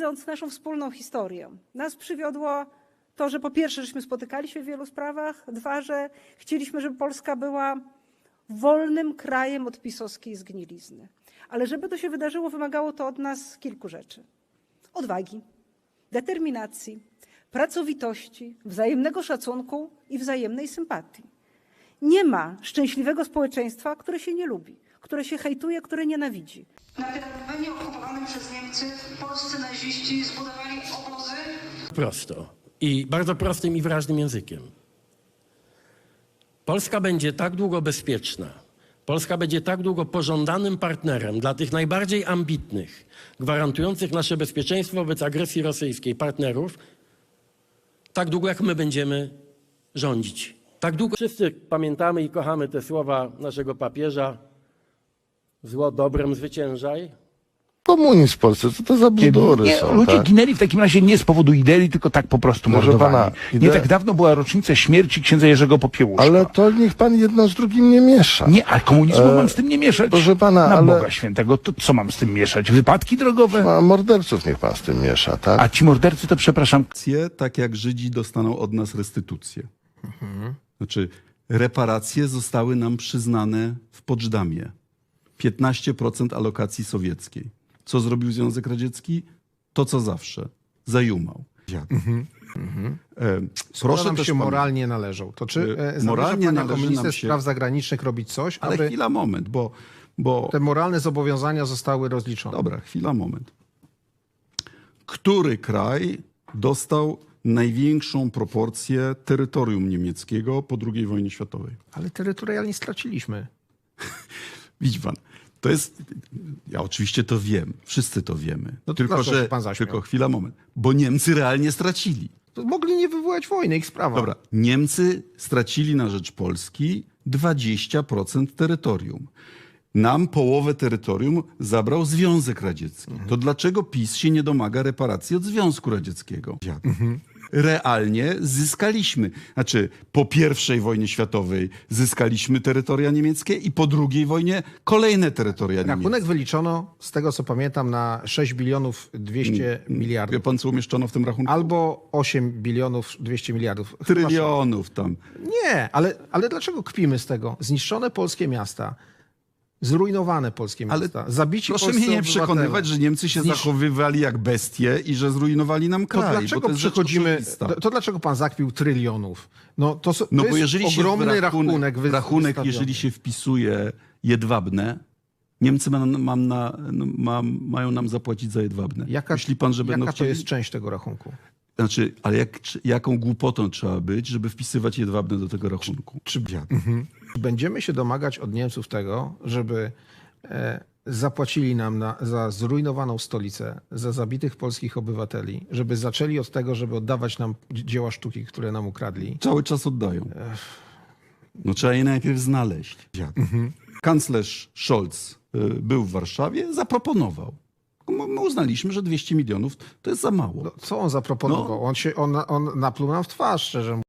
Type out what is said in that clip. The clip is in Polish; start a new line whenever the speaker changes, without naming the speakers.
widząc naszą wspólną historię. Nas przywiodło to, że po pierwsze, żeśmy spotykali się w wielu sprawach, dwa, że chcieliśmy, żeby Polska była wolnym krajem od pisowskiej zgnilizny. Ale żeby to się wydarzyło, wymagało to od nas kilku rzeczy. Odwagi, determinacji, pracowitości, wzajemnego szacunku i wzajemnej sympatii. Nie ma szczęśliwego społeczeństwa, które się nie lubi, które się hejtuje, które nienawidzi.
Na terenie okupowanym przez Niemcy polscy naziści zbudowali obozy.
Prosto i bardzo prostym i wyraźnym językiem. Polska będzie tak długo bezpieczna, Polska będzie tak długo pożądanym partnerem dla tych najbardziej ambitnych, gwarantujących nasze bezpieczeństwo wobec agresji rosyjskiej partnerów, tak długo jak my będziemy rządzić. Tak długo wszyscy pamiętamy i kochamy te słowa naszego papieża: zło dobrem zwyciężaj.
Komunizm w Polsce, co to za bzdury
Nie,
są,
ludzie
tak?
ginęli w takim razie nie z powodu idei, tylko tak po prostu
Proszę
mordowani.
pana,
Nie tak dawno była rocznica śmierci księdza Jerzego Popiełuszka.
Ale to niech pan jedno z drugim nie miesza.
Nie, ale komunizmu mam z tym nie mieszać.
proszę pana,
Na
ale-
Boga Świętego, to co mam z tym mieszać? Wypadki drogowe?
A morderców niech pan z tym miesza, tak?
A ci mordercy to, przepraszam,
Tak jak Żydzi dostaną od nas restytucję. Znaczy, reparacje zostały nam przyznane w Poczdamie. 15% alokacji sowieckiej. Co zrobił Związek Radziecki? To, co zawsze. Zajumał.
Proszę nam
też
się
pamię-
moralnie należą. To czy
moralnie
moralnie pan jako
należy
minister
nam się-
spraw zagranicznych robić coś,
Ale
aby
chwila, moment, bo
te moralne zobowiązania zostały rozliczone?
Dobra, chwila, moment. Który kraj dostał największą proporcję terytorium niemieckiego po II wojnie światowej?
Ale terytorialnie straciliśmy.
Widzi pan, to jest... Ja oczywiście to wiem, wszyscy to wiemy.
No to dlaczego się pan zaśmiał?
tylko chwila, moment. Bo Niemcy realnie stracili.
To mogli nie wywołać wojny, ich sprawa.
Dobra, Niemcy stracili na rzecz Polski 20% terytorium. Nam połowę terytorium zabrał Związek Radziecki. To dlaczego PiS się nie domaga reparacji od Związku Radzieckiego? Realnie zyskaliśmy. Znaczy, po I wojnie światowej zyskaliśmy terytoria niemieckie i po II wojnie kolejne terytoria
Rachunek
niemieckie.
wyliczono, z tego co pamiętam, na 6 bilionów 200
Wie
miliardów.
pan, co umieszczono w tym rachunku?
Albo 8 bilionów 200 miliardów.
Trylionów tam.
Nie, ale dlaczego kpimy z tego? Zniszczone polskie miasta, zrujnowane polskie
Ale
miasta, zabici
proszę
polscy
mnie nie
obywatele.
przekonywać, że Niemcy się zachowywali jak bestie i że zrujnowali nam
To
kraj. bo
dlaczego
to jest rzecz
przychodzimy,
oczywista.
to dlaczego pan zakpił trylionów? No to
No
jest
bo jeżeli się
ogromny
w rachunek,
wystawiony.
jeżeli się wpisuje jedwabne, Niemcy mają nam zapłacić za jedwabne. Myśli pan, że będą
Jaka to
chcieli...
jest część tego rachunku?
Znaczy, ale jaką głupotą trzeba być, żeby wpisywać jedwabne do tego rachunku?
Będziemy się domagać od Niemców tego, żeby zapłacili nam za zrujnowaną stolicę, za zabitych polskich obywateli, żeby zaczęli od tego, żeby oddawać nam dzieła sztuki, które nam ukradli.
Cały czas oddają. No trzeba je najpierw znaleźć. Kanclerz Scholz był w Warszawie, zaproponował. My uznaliśmy, że 200 milionów to jest za mało.
No, co on zaproponował? On napluł nam w twarz, szczerze mówiąc.